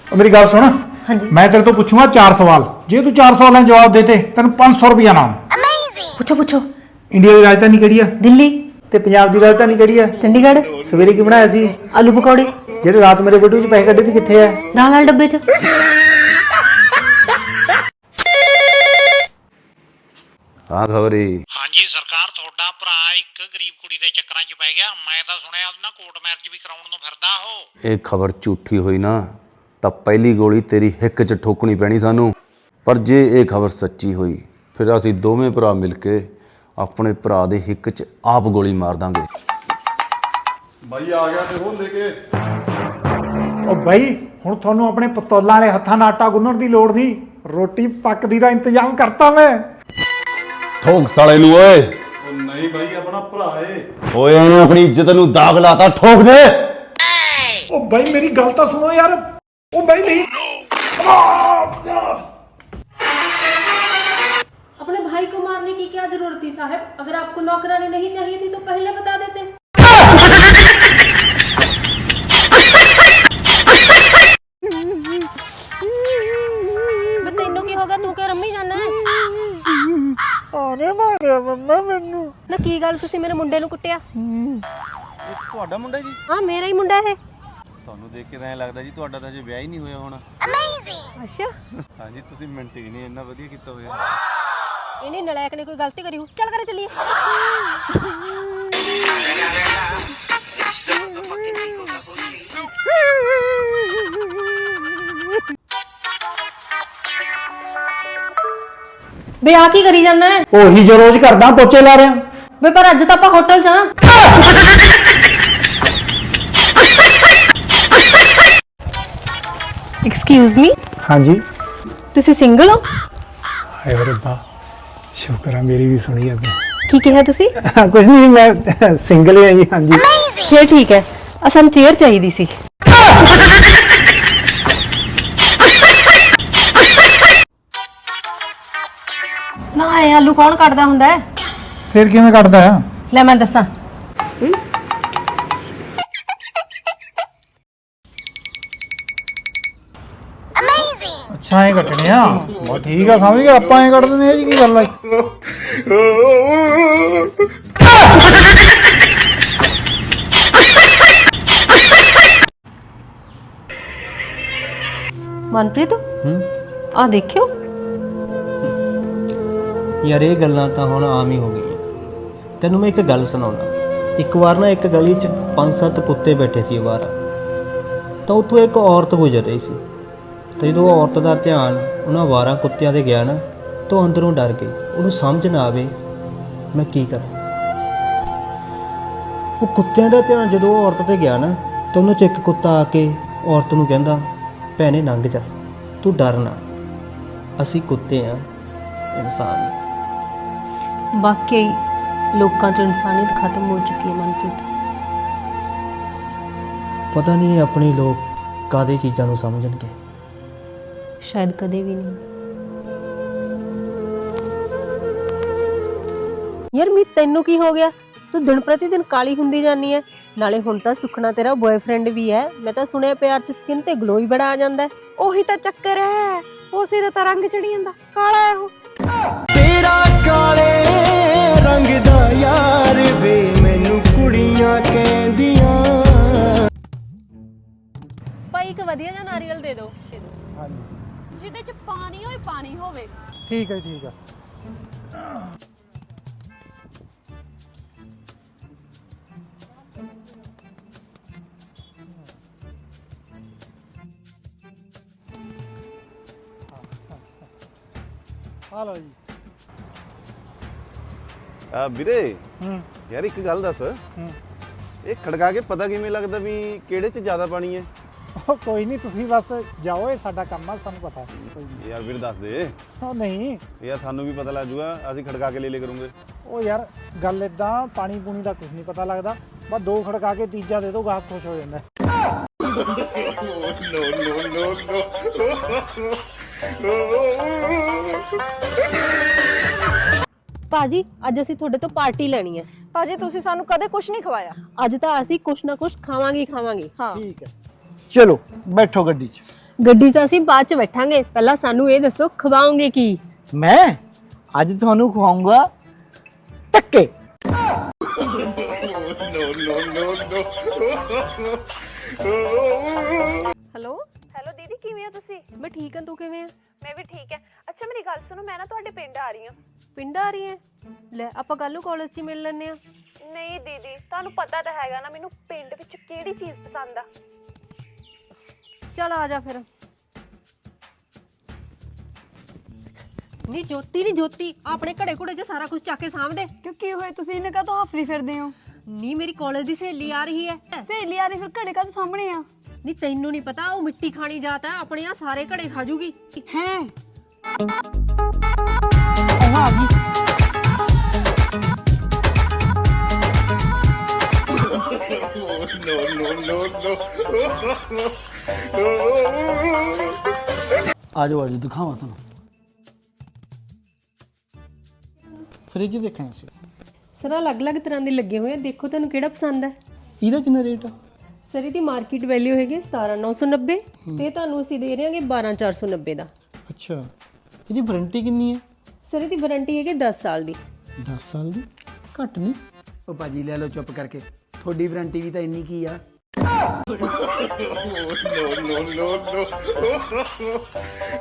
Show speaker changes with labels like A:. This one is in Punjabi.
A: मेरी गल सुन।
B: हाँ जी।
A: मैं तेरे तो पूछूंगा 4 सवाल, जे तू 4 सवालों जवाब देते तेन 500 रुपया नाम।
B: पूछो पूछो।
A: इंडिया की राजधानी किहड़ी है?
B: दिल्ली।
A: ते पंजाब की राजधानी किहड़ी है?
B: चंडीगढ़।
A: सवेरे की बनाया सी?
B: आलू पकौड़े।
A: जेडे रात मेरे बटू च पैसे कड्ढे सी कित्थे है?
B: दाल वाले डब्बे च।
C: हाँ खबरी
D: ਹਾਂਜੀ ਸਰਕਾਰ ਤੁਹਾਡਾ ਭਰਾ ਇੱਕ ਗਰੀਬ ਕੁੜੀ ਦੇ ਚੱਕਰਾਂ 'ਚ ਪੈ ਗਿਆ। ਮੈਂ ਤਾਂ ਸੁਣਿਆ ਉਹਦੇ ਨਾਲ ਕੋਰਟ ਮੈਰਿਜ ਵੀ ਕਰਾਉਣ ਨੂੰ ਫਿਰਦਾ ਉਹ।
C: ਇਹ ਖਬਰ ਝੂਠੀ ਹੋਈ ਨਾ ਤਾਂ ਪਹਿਲੀ ਗੋਲੀ ਤੇਰੀ ਹਿੱਕ 'ਚ ਠੋਕਣੀ ਪੈਣੀ ਸਾਨੂੰ। ਪਰ ਜੇ ਇਹ ਖਬਰ ਸੱਚੀ ਹੋਈ ਫਿਰ ਅਸੀਂ ਦੋਵੇਂ ਭਰਾ ਮਿਲ ਕੇ ਆਪਣੇ ਭਰਾ ਦੇ ਹਿੱਕ 'ਚ ਆਪ ਗੋਲੀ ਮਾਰ ਦਾਂਗੇ।
E: भाई आ गया देखो लेके।
A: ਉਹ ਬਈ ਹੁਣ ਤੁਹਾਨੂੰ ਆਪਣੇ ਪਿਸਤੌਲਾਂ ਵਾਲੇ ਹੱਥਾਂ ਨਾਲ ਆਟਾ ਗੁੰਨਣ ਦੀ ਲੋੜ ਨਹੀਂ, ਰੋਟੀ ਪੱਕਦੀ ਦਾ ਇੰਤਜ਼ਾਮ ਕਰਤਾ ਮੈਂ।
C: ਠੋਕ ਸਾਲੇ ਨੂੰ ਓਏ
E: ओ नहीं भाई अपना भरा है।
C: ਓਏ ਇਹਨੇ ਆਪਣੀ ਇੱਜ਼ਤ ਨੂੰ ਦਾਗ ਲਾਤਾ, ਠੋਕ ਦੇ।
A: ਉਹ ਬਈ ਮੇਰੀ ਗੱਲ ਤਾਂ ਸੁਣੋ ਯਾਰ। ਉਹ ਬਈ ਨਹੀਂ।
B: अपने भाई को मारने की क्या जरूरत थी साहब? अगर आपको नौकरानी नहीं चाहिए थी तो पहले बता देते। बे तैनू की होगा? तू क्या रम्मी जाना है?
A: ਆਨੇ ਮਾਰਿਆ ਮੰਮਾ ਮੈਨੂੰ।
B: ना की गल तुसी मेरे मुंडे नु कुੱਟਿਆ?
C: ਤੁਹਾਡਾ ਮੁੰਡਾ ਜੀ?
B: हाँ मेरा ही मुंडा है।
C: ਤੁਹਾਨੂੰ ਦੇਖ ਕੇ ਤਾਂ ਐਂ ਲੱਗਦਾ ਜੀ ਤੁਹਾਡਾ ਤਾਂ ਜੇ ਵਿਆਹ ਹੀ ਨਹੀਂ ਹੋਇਆ ਹੋਣਾ।
B: अच्छा
C: ਹਾਂਜੀ ਤੁਸੀਂ ਮਿੰਟ ਹੀ ਨਹੀਂ ਇੰਨਾ ਵਧੀਆ ਕੀਤਾ ਹੋਇਆ।
B: इन्हें नलायक ने कोई गलती करी हो? चल करे चलिए। बे आ की करी जाना है?
A: ਉਹੀ ਜੋ ਰੋਜ਼ ਕਰਦਾ, ਪੋਚੇ ਲਾ ਰਿਹਾ।
B: बे पर अज तो आप होटल जा। एक्सक्यूज मी,
A: ਹਾਂਜੀ।
B: तुसी सिंगल हो?
A: ਹਾਏ ਰੱਬਾ, ਸ਼ੁਕਰ ਆ ਮੇਰੀ ਵੀ ਸੁਣੀ ਅੱਜ।
B: की कहा तुसी?
A: ਕੁਝ ਨਹੀਂ, ਮੈਂ ਸਿੰਗਲ ਹੀ ਹਾਂ ਜੀ। ਹਾਂਜੀ
B: फिर ठीक है। असन चेयर चाहिए सी। ना ये आलू कौन काटदा हुंदा है?
A: ਫਿਰ ਕਿਵੇਂ ਕੱਟਦਾ ਆ?
B: ले मैं दसा।
A: ਅੱਛਾ ਐਂ ਕੱਟਣੇ ਆ? ਬਹੁਤ ਠੀਕ ਆ, ਸਮਝ ਗਿਆ। ਆਪਾਂ ਐਂ ਕੱਟ ਦਿੰਦੇ ਆ ਜੀ, ਕੀ ਗੱਲ ਆ?
B: मनप्रीत आ देखियो।
F: ਯਾਰ ਇਹ ਗੱਲਾਂ ਤਾਂ ਹੁਣ ਆਮ ਹੀ ਹੋ ਗਈਆਂ। ਤੈਨੂੰ ਮੈਂ ਇੱਕ ਗੱਲ ਸੁਣਾਉਣਾ। ਇੱਕ ਵਾਰ ਨਾ ਇੱਕ ਗਲੀ 'ਚ 5-7 ਕੁੱਤੇ ਬੈਠੇ ਸੀ ਅਵਾਰਾ। ਤਾਂ ਉੱਥੋਂ ਇੱਕ ਔਰਤ ਗੁਜ਼ਰ ਰਹੀ ਸੀ। ਤੇ ਜਦੋਂ ਉਹ ਔਰਤ ਦਾ ਧਿਆਨ ਉਹਨਾਂ ਅਵਾਰਾ ਕੁੱਤਿਆਂ 'ਤੇ ਗਿਆ ਨਾ ਤਾਂ ਉਹ ਅੰਦਰੋਂ ਡਰ ਗਈ। ਉਹਨੂੰ ਸਮਝ ਨਾ ਆਵੇ ਮੈਂ ਕੀ ਕਰਾਂ। ਉਹ ਕੁੱਤਿਆਂ ਦਾ ਧਿਆਨ ਜਦੋਂ ਉਹ ਔਰਤ 'ਤੇ ਗਿਆ ਨਾ ਤਾਂ ਉਹਨਾਂ 'ਚ ਇੱਕ ਕੁੱਤਾ ਆ ਕੇ ਔਰਤ ਨੂੰ ਕਹਿੰਦਾ, ਭੈਣੇ ਲੰਘ ਜਾ, ਤੂੰ ਡਰ ਨਾ, ਅਸੀਂ ਕੁੱਤੇ ਆ, ਇਨਸਾਨ।
B: वाकई लोकां च इंसानियत खत्म हो चुकी है मनप्रीत।
F: ਪਤਾ ਨਹੀਂ ਇਹ ਆਪਣੇ ਲੋਕ ਕਾਹਦੇ ਚੀਜ਼ਾਂ ਨੂੰ ਸਮਝਣਗੇ।
B: शायद कदे भी नहीं। यार मी तेनू की हो गया? तू दिन प्रति दिन काली हुंदी जानी है। नाले हुण तां सुखना तेरा बॉयफ्रेंड भी है। मैं तां सुनिया प्यार च स्किन ते ग्लो ही बड़ा आ जांदा है। ओही तां चक्कर है, उस सिर तां रंग चढ़ी जांदा, काला है वो।
G: तेरा काले रंग दा यार वे मैनू कुड़ियां कहंदियां।
H: ਭਾਈ ਇੱਕ ਵਧੀਆ ਜਿਹਾ ਨਾਰੀਅਲ ਦੇ ਦਿਓ ਜਿਹਦੇ ਚ ਪਾਣੀ ਹੋਏ, ਪਾਣੀ ਹੋਵੇ।
A: ਠੀਕ ਹੈ ਠੀਕ ਹੈ। ਆ ਲਓ ਜੀ।
C: ਆ ਵੀਰੇ
A: ਹੂੰ
C: ਯਾਰ ਇੱਕ ਗੱਲ ਦੱਸ,
A: ਹੂੰ।
C: ਇਹ ਖੜਕਾ ਕੇ ਪਤਾ ਕਿਵੇਂ ਲੱਗਦਾ ਵੀ ਕਿਹੜੇ 'ਚ ਜ਼ਿਆਦਾ ਪਾਣੀ ਹੈ?
A: ਉਹ ਕੋਈ ਨਹੀਂ, ਤੁਸੀਂ ਬਸ ਜਾਓ, ਇਹ ਸਾਡਾ ਕੰਮ ਆ, ਸਾਨੂੰ ਪਤਾ। ਕੋਈ ਨਹੀਂ।
C: ਯਾਰ ਵੀਰ ਦੱਸ ਦੇ
A: ਉਹ ਨਹੀਂ,
C: ਯਾਰ, ਸਾਨੂੰ ਵੀ ਪਤਾ ਲੱਗ ਜੂਗਾ, ਅਸੀਂ ਖੜਕਾ ਕੇ ਲੈ ਕਰੂੰਗੇ।
A: ਉਹ ਯਾਰ ਗੱਲ ਇਦਾਂ, ਪਾਣੀ ਪੂਣੀ ਦਾ ਕੁਝ ਨਹੀਂ ਪਤਾ ਲੱਗਦਾ। ਬਸ 2 ਖੜਕਾ ਕੇ ਤੀਜਾ ਦੇ ਦਿਓ, ਗਾਹਕ ਖੁਸ਼ ਹੋ ਜਾਂਦਾ।
B: ਭਾਜੀ ਅੱਜ ਅਸੀਂ ਤੁਹਾਡੇ ਤੋਂ ਪਾਰਟੀ ਲੈਣੀ ਹੈ।
H: ਭਾਜੀ ਤੁਸੀਂ ਸਾਨੂੰ ਕਦੇ ਕੁਝ ਨਹੀਂ ਖਵਾਇਆ।
B: ਅੱਜ ਤਾਂ ਅਸੀਂ ਕੁਛ ਨਾ ਕੁਛ ਖਾਵਾਂਗੇ ਹੀ ਖਾਵਾਂਗੇ।
H: ਹਾਂ
A: ਠੀਕ ਹੈ, ਚਲੋ ਬੈਠੋ ਗੱਡੀ 'ਚ।
B: ਗੱਡੀ ਤਾਂ ਅਸੀਂ ਬਾਅਦ ਚ ਬੈਠਾਂਗੇ, ਪਹਿਲਾਂ ਸਾਨੂੰ ਇਹ ਦੱਸੋ ਖਵਾਓਗੇ ਕੀ?
F: ਮੈਂ ਅੱਜ ਤੁਹਾਨੂੰ ਖਵਾਉਂਗਾ ਟੱਕੇ।
B: ਹੈਲੋ
H: ਹੈਲੋ ਦੀਦੀ, ਕਿਵੇਂ ਹੋ ਤੁਸੀਂ?
B: ਮੈਂ ਠੀਕ ਹਾਂ, ਤੂੰ ਕਿਵੇਂ ਆ?
H: ਮੈਂ ਵੀ ਠੀਕ ਹੈ। ਅੱਛਾ ਮੇਰੀ ਗੱਲ ਸੁਣੋ, ਮੈਂ ਨਾ ਤੁਹਾਡੇ ਪਿੰਡ ਆ ਰਹੀ ਹਾਂ।
B: ਪਿੰਡ ਆ ਰਹੀ ਹੈ? ਲੈ ਆਪਾਂ ਕੱਲ ਨੂੰ ਕਾਲਜ 'ਚ ਹੀ ਮਿਲ ਲੈਂਦੇ ਆ।
H: ਨਹੀਂ ਦੀਦੀ, ਤੁਹਾਨੂੰ ਪਤਾ ਤਾਂ ਹੈਗਾ ਨਾ ਮੈਨੂੰ ਪਿੰਡ ਵਿੱਚ ਕਿਹੜੀ ਚੀਜ਼ ਪਸੰਦ ਆ।
B: ਚੱਲ ਆ ਜਾ ਫਿਰ। ਨਹੀਂ ਜੋਤੀ ਆਪਣੇ ਘੜੇ ਘੁੜੇ 'ਚ ਸਾਰਾ ਕੁਝ ਚੱਕ ਕੇ ਸਾਂਭਦੇ।
H: ਕਿਉਂ ਕੀ ਹੋਇਆ, ਤੁਸੀਂ ਇਹਨੇ ਕਾ ਤੋਂ ਹਫਰੀ ਫਿਰਦੇ ਹੋ?
B: ਨਹੀਂ ਮੇਰੀ ਕਾਲਜ ਦੀ ਸਹੇਲੀ ਆ ਰਹੀ ਹੈ।
H: ਸਹੇਲੀ ਆ ਰਹੀ, ਫਿਰ ਘੜੇ ਕਾ ਤੋਂ ਸਾਹਮਣੇ ਆ?
B: ਨਹੀਂ ਤੈਨੂੰ ਨਹੀਂ ਪਤਾ, ਉਹ ਮਿੱਟੀ ਖਾਣੀ ਜਾਤ ਹੈ, ਆਪਣੇ ਆ ਸਾਰੇ ਘੜੇ ਖਾ ਜੂਗੀ।
H: ਹੈ
F: ਆ ਜਾਓ ਦਿਖਾਵਾਂ ਤੁਹਾਨੂੰ। ਫ੍ਰਿਜ ਦੇਖਣਾ ਸੀ।
B: ਸਰ ਅਲੱਗ-ਅਲੱਗ ਤਰ੍ਹਾਂ ਦੇ ਲੱਗੇ ਹੋਏ ਆ, ਦੇਖੋ ਤੁਹਾਨੂੰ ਕਿਹੜਾ ਪਸੰਦ ਹੈ।
F: ਇਹਦਾ ਕਿੰਨਾ ਰੇਟ ਆ?
B: ਸਰ ਇਹਦੀ ਮਾਰਕੀਟ ਵੈਲਿਊ ਹੈਗੀ 17990 ਤੇ ਤੁਹਾਨੂੰ ਅਸੀਂ ਦੇ ਰਹੇ ਹਾਂਗੇ 12490 ਦਾ।
F: ਅੱਛਾ, ਇਹਦੀ ਵਾਰੰਟੀ ਕਿੰਨੀ ਹੈ?
B: ਸਰ ਇਹਦੀ ਵਾਰੰਟੀ ਹੈਗੀ 10 ਸਾਲ ਦੀ।
F: 10 ਸਾਲ ਦੀ? ਘੱਟ ਨਹੀਂ।
I: ਉਹ ਭਾਜੀ ਲੈ ਲਓ ਚੁੱਪ ਕਰਕੇ, ਤੁਹਾਡੀ ਵਾਰੰਟੀ ਵੀ ਤਾਂ ਇੰਨੀ ਕੀ ਆ।